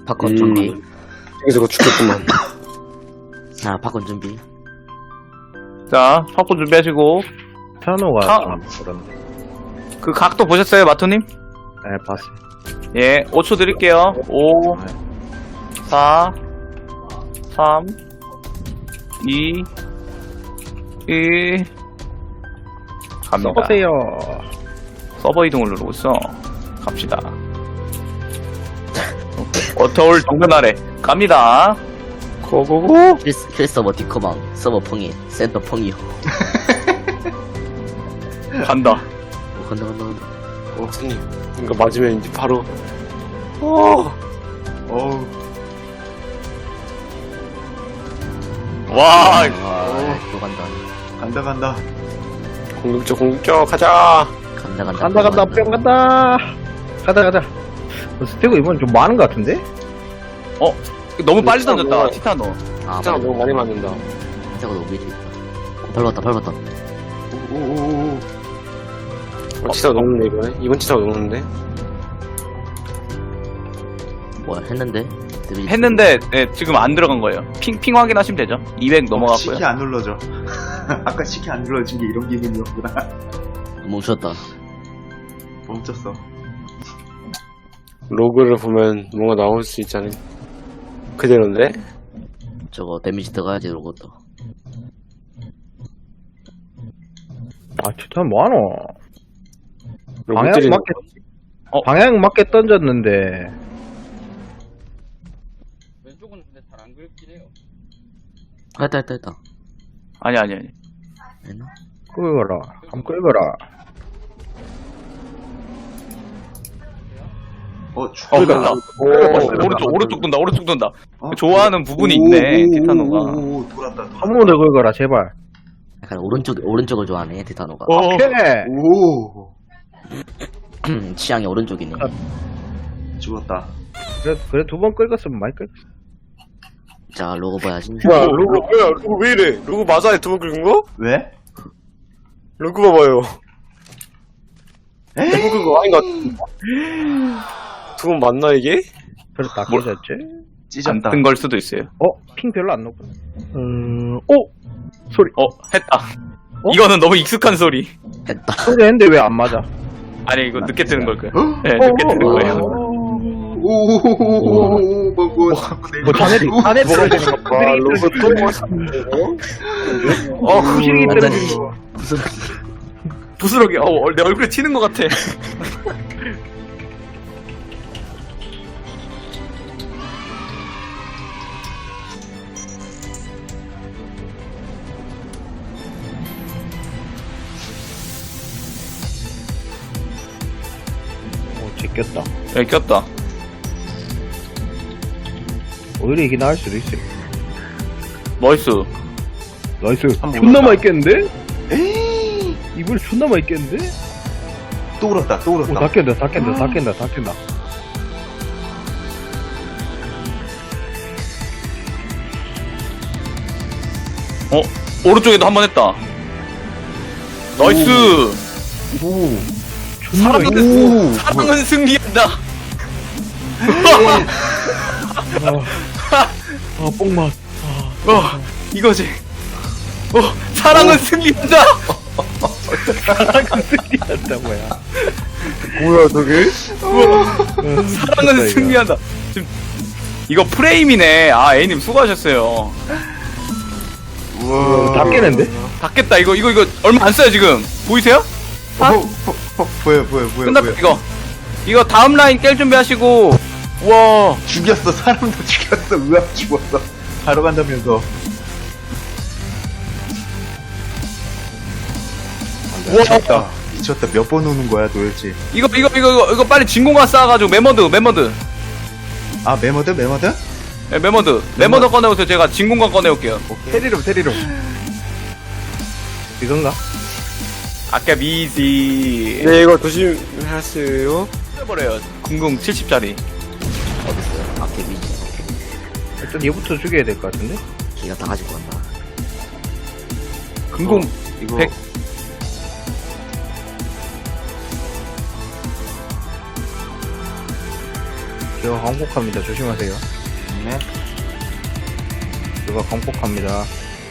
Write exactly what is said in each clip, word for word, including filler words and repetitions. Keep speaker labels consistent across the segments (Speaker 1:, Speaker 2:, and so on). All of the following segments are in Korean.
Speaker 1: 팝콘
Speaker 2: 음.
Speaker 1: 준비.
Speaker 2: 여기서 그거 죽겠구만.
Speaker 1: 자, 팝콘 준비.
Speaker 3: 자, 팝콘 준비하시고.
Speaker 4: 피아노가
Speaker 3: 아.
Speaker 4: 좀 그런데.
Speaker 3: 그 각도 보셨어요, 마토님?
Speaker 4: 네, 봤어요.
Speaker 3: 예, 오 초 드릴게요. 오, 사, 삼, 이, 일. 갑니다.
Speaker 4: 써보세요.
Speaker 3: 서버 이동을 누르고 있어. 갑시다. 어터울 정면 아래. 갑니다.
Speaker 2: 고고고.
Speaker 1: 킬, 킬 서버 디커방, 서버 펑이, 센터 펑이요.
Speaker 3: 간다.
Speaker 1: 어, 간다, 간다, 간다.
Speaker 2: 어, 선님. 이거 맞으면 이제 바로. 어.
Speaker 5: 어우,
Speaker 3: 와,
Speaker 1: 와, 또 간다.
Speaker 5: 간다, 간다.
Speaker 2: 공격적, 공격적, 가자.
Speaker 1: 간다, 간다.
Speaker 4: 간다,
Speaker 1: 또
Speaker 4: 간다, 뿅 간다. 가자, 가자. 어, 스테고 이번 좀 많은 것 같은데?
Speaker 3: 어, 너무 빨리
Speaker 2: 티타노.
Speaker 3: 던졌다, 티타노.
Speaker 1: 아,
Speaker 2: 진짜
Speaker 1: 맞아.
Speaker 2: 너무 많이 맞는다.
Speaker 1: 진짜가 너무 미리 있다. 어, 밟았다, 밟았다.
Speaker 5: 오오오오.
Speaker 2: 어, 치사가 녹는데, 이번에? 이번 치사가 녹는데?
Speaker 1: 뭐야, 했는데? 데미지
Speaker 3: 했는데, 예, 지금 안 들어간 거예요. 핑, 핑 확인하시면 되죠. 이백 넘어갔고요.
Speaker 5: 시키 안 눌러져. 아까 시키 안 눌러진 게 이런 기분이었구나.
Speaker 1: 멈췄다.
Speaker 5: 멈췄어.
Speaker 2: 로그를 보면 뭔가 나올 수 있지 않은 그대로인데?
Speaker 1: 저거 데미지 들어가야지, 로봇도.
Speaker 4: 아, 진짜 뭐하노? 방향
Speaker 2: 로봇들이
Speaker 4: 맞게,
Speaker 3: 어?
Speaker 4: 방향 맞게 던졌는데.
Speaker 3: 왼쪽은 근데 잘 안 긁긴 해요.
Speaker 1: 했다, 했다, 했다.
Speaker 3: 아니, 아니, 아니.
Speaker 1: 했나?
Speaker 4: 끌거라. 한번 끌거라.
Speaker 5: 어,
Speaker 3: 어,
Speaker 5: 죽을
Speaker 3: 간다.
Speaker 2: 오,
Speaker 3: 오른쪽, 오른쪽 돈다, 오른쪽 돈다.
Speaker 5: 어?
Speaker 3: 좋아하는 부분이
Speaker 5: 오,
Speaker 3: 있네,
Speaker 5: 오,
Speaker 3: 티타노가.
Speaker 5: 오, 오, 오, 돌았다, 돌았다.
Speaker 4: 한 번 더 끌거라, 제발.
Speaker 1: 약간 오른쪽, 오른쪽을 좋아하네, 티타노가.
Speaker 3: 어,
Speaker 4: 오케이!
Speaker 5: 오,
Speaker 1: 취향이 오른쪽이네.
Speaker 5: 죽었다.
Speaker 4: 그래, 그래 두 번 끌었으면 많이 끌었어.
Speaker 1: 자, 로고 봐야지.
Speaker 2: 뭐야, 로그, 뭐야, 로그 왜 이래? 로그 맞아요? 두 번 긁은 거?
Speaker 5: 왜?
Speaker 2: 로그 봐봐요.
Speaker 5: 에이?
Speaker 2: 두 번 긁은 거 아닌 것 같은데? 두 번 맞나, 이게?
Speaker 4: 그래서 다
Speaker 3: 뭘-
Speaker 4: 끌었지?
Speaker 5: 찢었다.
Speaker 3: 안 뜬 걸 수도 있어요.
Speaker 4: 어? 핑 별로 안 높고. 음, 오! 소리.
Speaker 3: 어, 했다.
Speaker 4: 어?
Speaker 3: 이거는 너무 익숙한 소리.
Speaker 1: 했다.
Speaker 4: 소리 했는데 왜 안 맞아?
Speaker 3: 아니, 이거 늦게 뜨는 걸 거예요.
Speaker 5: 어?
Speaker 3: 네, 늦게 뜨는
Speaker 4: 어,
Speaker 3: 거예요.
Speaker 5: 오오오오오오, 뭐, 뭐, 자꾸 내리막.
Speaker 4: 뭐, 자네들이, 자네들이 떨어지는 거.
Speaker 2: 와,
Speaker 4: 부스링이
Speaker 2: 로그 또
Speaker 4: 떨어지는 거.
Speaker 2: 맞았는데?
Speaker 3: 어,
Speaker 4: 부스링이
Speaker 1: 완전히
Speaker 4: 떨어지는 거.
Speaker 1: 무슨,
Speaker 3: 부스러기, 어, 내 얼굴에 튀는 것 같아.
Speaker 4: 어, 제꼈다.
Speaker 3: 여기 꼈다.
Speaker 4: 오히려 이게 나을 수도 있어.
Speaker 3: 나이스.
Speaker 4: 나이스.
Speaker 5: 한번
Speaker 4: 존나
Speaker 5: 올라가.
Speaker 4: 맛있겠는데?
Speaker 5: 에이,
Speaker 4: 이번에 존나 맛있겠는데?
Speaker 5: 또 울었다, 또
Speaker 4: 오,
Speaker 5: 울었다.
Speaker 4: 다 깬다, 다 깬다, 다 깬다, 다 깬다.
Speaker 3: 어, 오른쪽에도 한 번 했다. 나이스.
Speaker 5: 오,
Speaker 4: 존나 맛있
Speaker 3: 사랑은, 사랑은 승리한다.
Speaker 4: 아, 뽕맛.
Speaker 3: 어, 이거지. 어, 사랑은 승리한다.
Speaker 4: 사랑은 승리한다, 뭐야.
Speaker 2: 뭐야, 저게?
Speaker 3: 사랑은 승리한다. 지금 이거 프레임이네. 아, A님 수고하셨어요.
Speaker 5: 우와.
Speaker 4: 다 깨는데?
Speaker 3: 닫겠다. 이거 이거 이거 얼마 안 써요 지금. 보이세요?
Speaker 5: 어, 어, 어, 보여, 보여, 보여.
Speaker 3: 끝났다
Speaker 5: 보여.
Speaker 3: 이거. 이거 다음 라인 깰 준비하시고. 와,
Speaker 5: 죽였어, 사람도 죽였어, 의학 죽었어. 바로 간다면서.
Speaker 3: 와.
Speaker 5: 미쳤다. 미쳤다. 몇 번 오는 거야, 도대체.
Speaker 3: 이거 이거 이거 이거, 이거 빨리 진공관 쌓아가지고 메머드 메머드.
Speaker 5: 아, 메모드, 메모드?
Speaker 3: 네, 메머드 메머드 꺼내오세요. 제가 진공관 꺼내올게요.
Speaker 5: 오케이.
Speaker 4: 테리룸, 테리룸. 이건가?
Speaker 3: 아까 미지.
Speaker 2: 네, 이거 조심하세요.
Speaker 3: 버려요. 궁궁 칠십 짜리.
Speaker 1: 어딨어요? 아, 데미지.
Speaker 4: 일단 얘부터 죽여야 될 것 같은데?
Speaker 1: 기가 다 가지고 간다.
Speaker 3: 궁궁
Speaker 5: 이거.
Speaker 3: 백.
Speaker 4: 제가 광폭합니다. 조심하세요.
Speaker 5: 네.
Speaker 4: 제가 광폭합니다.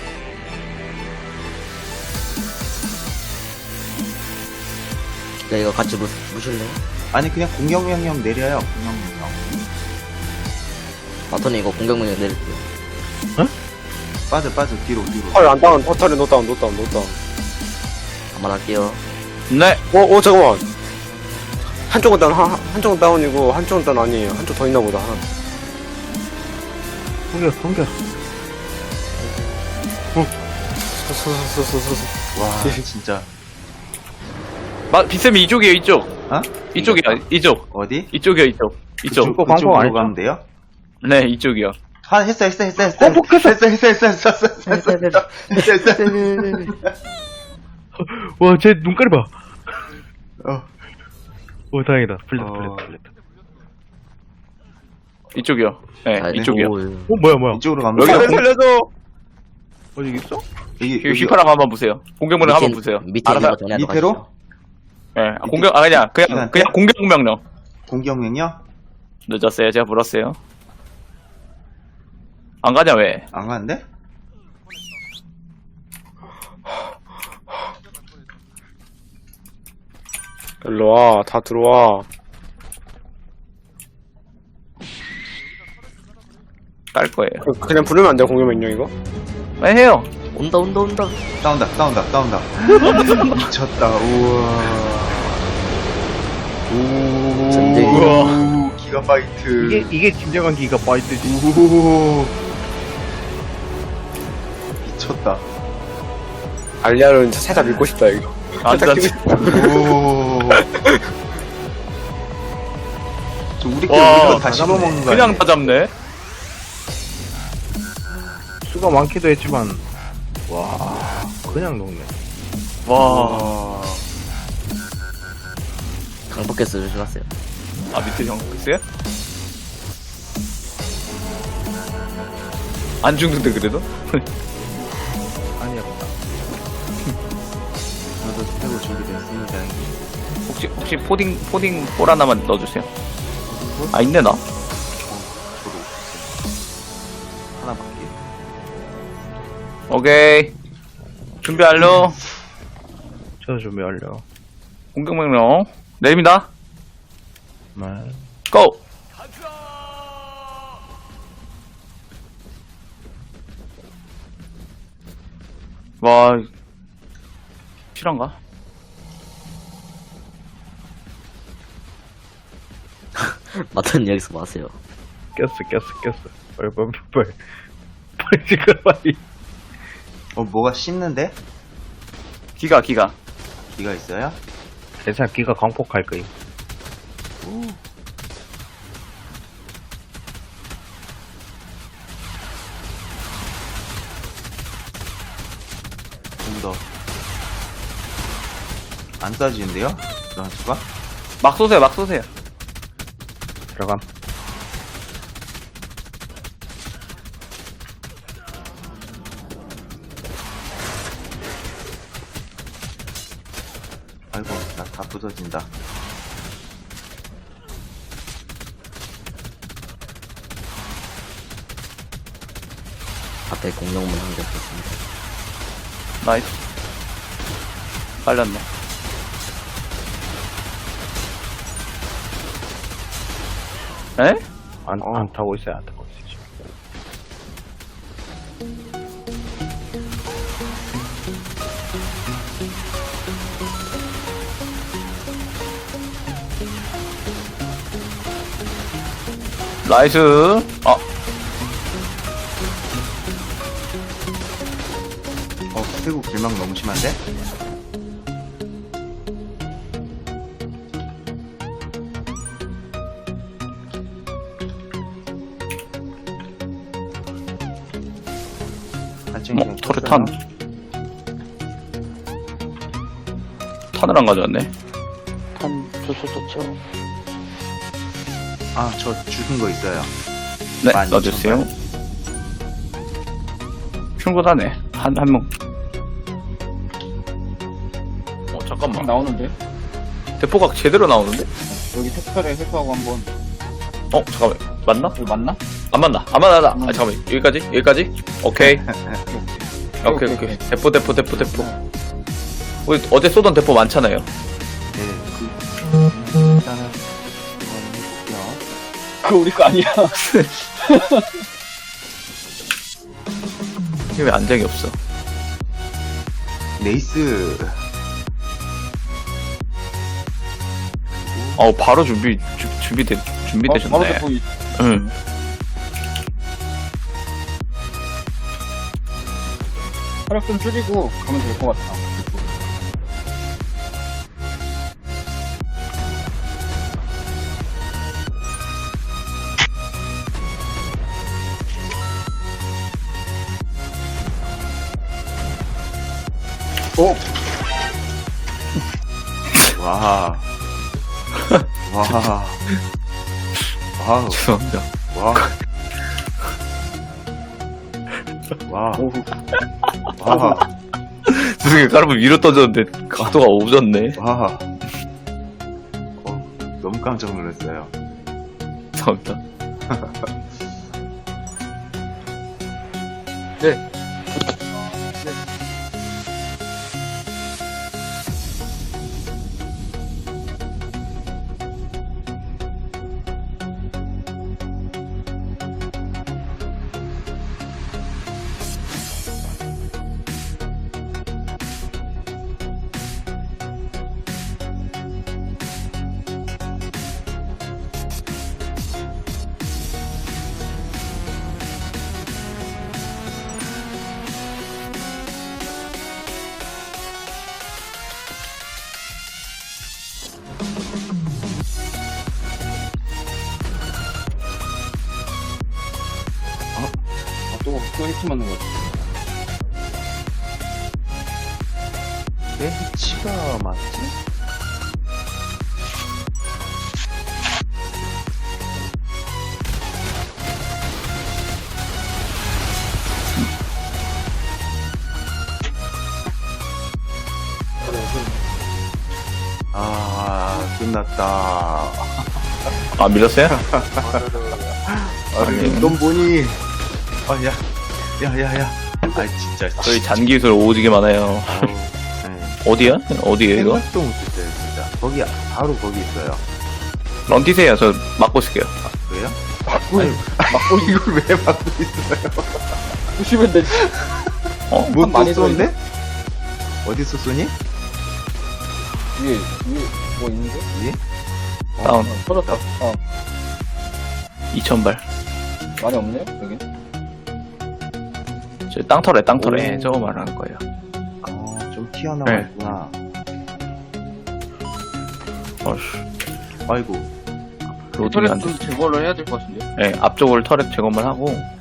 Speaker 1: 야, 이거 같이 무, 무실래?
Speaker 5: 아니 그냥 공격 명령 내려요. 공격 명령.
Speaker 1: 바톤이 이거 공격문에 내릴게요.
Speaker 5: 빠져 빠져 뒤로 뒤로.
Speaker 2: 헐, 안 다운, 허탈이 노다운, 노다운, 노다운.
Speaker 1: 그만할게요.
Speaker 3: 네.
Speaker 2: 어, 어, 잠깐만. 한쪽은 다운, 한, 한쪽은 다운이고, 한쪽은 다운 아니에요. 한쪽 더 있나 보다, 하나.
Speaker 4: 공격, 공격.
Speaker 2: 서서서서서서.
Speaker 5: 와 진짜.
Speaker 3: 마, 빗쌤이 이쪽이에요, 이쪽.
Speaker 5: 어?
Speaker 3: 이쪽이야, 이쪽.
Speaker 5: 어디?
Speaker 3: 이쪽이요, 이쪽. 이쪽.
Speaker 5: 그쪽,
Speaker 4: 그거 광고
Speaker 5: 그쪽으로
Speaker 4: 아니죠?
Speaker 5: 가면 돼요?
Speaker 3: 네, 이쪽이요.
Speaker 5: 아 했어 했어 했어 했어.
Speaker 4: 어, 복했어.
Speaker 5: 했어 했어 했어 했어 했어 했어 했어 했어 했어.
Speaker 4: 와, 제 눈깔이 봐.
Speaker 5: 어.
Speaker 4: 오, 다행이다. 풀렸다,
Speaker 5: 어.
Speaker 4: 풀렸다, 풀렸다.
Speaker 3: 이쪽이요. 네,
Speaker 1: 아,
Speaker 3: 이쪽이요.
Speaker 1: 오,
Speaker 4: 어, 뭐야, 뭐야.
Speaker 5: 이쪽으로 가면
Speaker 3: 여기요.
Speaker 5: 돼요?
Speaker 2: 살려줘!
Speaker 4: 어디 있어?
Speaker 5: 여기
Speaker 3: 여기
Speaker 5: 여기
Speaker 3: 휘파람 한번 보세요. 공격문을 한번 보세요.
Speaker 1: 밑에
Speaker 3: 알아서,
Speaker 1: 있는 거 전에
Speaker 5: 밑으로?
Speaker 1: 가시죠.
Speaker 3: 네, 아, 공격, 아, 그냥, 그냥,
Speaker 5: 이한테?
Speaker 3: 그냥 공격 명령.
Speaker 5: 공격 명령?
Speaker 3: 늦었어요. 제가 물었어요. 안 가냐, 왜?
Speaker 5: 안 가는데?
Speaker 2: 일로 와, 다 들어와.
Speaker 3: 깔 거예요.
Speaker 2: 그- 그냥 부르면 안 돼요, 공격 명령 이거?
Speaker 3: 왜 해요?
Speaker 1: 온다, 온다, 온다.
Speaker 5: 싸운다 싸운다 싸운다. 미쳤다. 우와. 오.
Speaker 1: 전쟁.
Speaker 5: 우와. 기가바이트.
Speaker 4: 이게, 이게 진정한 기가바이트지.
Speaker 5: 오. 미쳤다.
Speaker 2: 알리아를 살짝 믿고 싶다, 이거.
Speaker 3: 완전,
Speaker 5: 오. 저 우리끼리
Speaker 3: 와,
Speaker 5: 우리가 다 씹어먹는 거
Speaker 3: 그냥
Speaker 5: 아니야?
Speaker 3: 다 잡네.
Speaker 4: 수가 많기도 했지만, 와, 그냥 녹네.
Speaker 3: 와.
Speaker 5: 와.
Speaker 1: 강폭캐스 조심하세요.
Speaker 3: 아, 밑에 형 있어요? 안 죽는데, 그래도?
Speaker 4: 아니었다.
Speaker 5: 저도 스태고 준비됐습니다.
Speaker 3: 혹시, 혹시 포딩, 포딩 볼 하나만 넣어주세요. 아, 있네, 나.
Speaker 5: 저도 하나밖에.
Speaker 3: 오케이. 준비 완료.
Speaker 4: 저도 준비 완료.
Speaker 3: 공격 명령. 내립니다.
Speaker 4: 네.
Speaker 3: 고! 와, 실한가?
Speaker 1: 마톤 여기서 뭐 하세요?
Speaker 4: 꼈어, 꼈어, 꼈어. 빨리, 빨리, 빨리. 빨리, 지금 빨리.
Speaker 5: 어 뭐가 씹는데?
Speaker 3: 기가, 기가.
Speaker 5: 기가 있어요?
Speaker 4: 괜찮아, 기가 광폭할 거임.
Speaker 5: 좀 더. 안 쏴지는데요? 런수가?
Speaker 3: 막 쏘세요, 막 쏘세요.
Speaker 4: 들어감.
Speaker 5: 아이고 나 다 부서진다.
Speaker 1: 앞에 공격문 한 개 없었습니다.
Speaker 3: 나이스. 빨렸네. 에?
Speaker 4: 안,
Speaker 5: 어.
Speaker 4: 안 타고 있어요, 안 타고 있어요.
Speaker 3: 나이스. 아,
Speaker 5: 어 스태고 길막 너무 심한데? 발전기
Speaker 3: 어, 토르탄. 탄을 안 가져왔네.
Speaker 1: 탄, 좋죠, 좋죠.
Speaker 5: 아저 죽은 거 있어요.
Speaker 3: 네,
Speaker 5: 많이
Speaker 3: 넣어주세요. 충분하네. 한, 한 명. 어, 잠깐만.
Speaker 6: 나오는데?
Speaker 3: 대포각 제대로 나오는데?
Speaker 6: 여기 텍스처에 회수하고 한번
Speaker 3: 어 잠깐만 맞나?
Speaker 6: 이거 맞나?
Speaker 3: 안 맞나? 안 맞나? 아 잠깐만 여기까지? 여기까지? 오케이 오케이 오케이 대포 대포 대포 대포 우리 어제 쏘던 대포 많잖아요.
Speaker 5: 네, 그, 일단은, 이거는 해볼게요.
Speaker 6: 그거 우리 거 아니야.
Speaker 3: 이게 왜 안장이 없어?
Speaker 5: 네이스.
Speaker 3: 어 바로 준비 주, 준비돼 준비되셨네.
Speaker 6: 어, 바로 대포 이-
Speaker 3: 응.
Speaker 6: 혈압 좀 줄이고 가면 될 것 같아.
Speaker 5: 오! 와. 와. 와우.
Speaker 3: 죄송합니다.
Speaker 5: 와. 와.
Speaker 6: 오,
Speaker 5: 와.
Speaker 3: 죄송해요. 까르보 위로 던졌는데 각도가 오졌네.
Speaker 5: 와. 어, 너무 깜짝 놀랐어요.
Speaker 3: 죄송합니다.
Speaker 6: 네. 아, 또, 또 히트 맞는 거 같아.
Speaker 5: 내 위치가 맞지? 아, 끝났다.
Speaker 3: 아 밀렸어요?
Speaker 5: 아니,
Speaker 3: 아니.
Speaker 5: 넌 뭐니? 아, 야, 야, 야, 야. 아, 진짜.
Speaker 3: 저희 잔기술 오지게 많아요.
Speaker 5: 아우, 네.
Speaker 3: 어디야? 어디에요 이거?
Speaker 5: 생각도 못했어요, 진짜. 거기, 바로 거기 있어요.
Speaker 3: 런 뛰세요. 저 막고 있을게요.
Speaker 5: 아, 그래요?
Speaker 6: 막고,
Speaker 5: 아니, 막고 이걸 왜 막고 있어요?
Speaker 6: 부시면 되지.
Speaker 3: 어?
Speaker 5: 뭐
Speaker 6: 많이
Speaker 5: 또 쏘는데? 어디서 쏘니?
Speaker 6: 위에, 위에 뭐 있는데?
Speaker 5: 위에?
Speaker 3: 다운
Speaker 6: 어, 터졌다. 어,
Speaker 3: 이천 발.
Speaker 6: 많이 없네, 여기.
Speaker 3: 저 땅터래 땅터래
Speaker 5: 오.
Speaker 3: 저거 말하는 거예요.
Speaker 5: 어, 좀 튀어나와
Speaker 3: 네.
Speaker 5: 있구나.
Speaker 3: 어휴.
Speaker 5: 아이고.
Speaker 3: 로딩이 안
Speaker 6: 터렛
Speaker 3: 돼.
Speaker 6: 좀 제거를 해야 될 것 같은데.
Speaker 3: 네, 앞쪽을 터렛 제거만 하고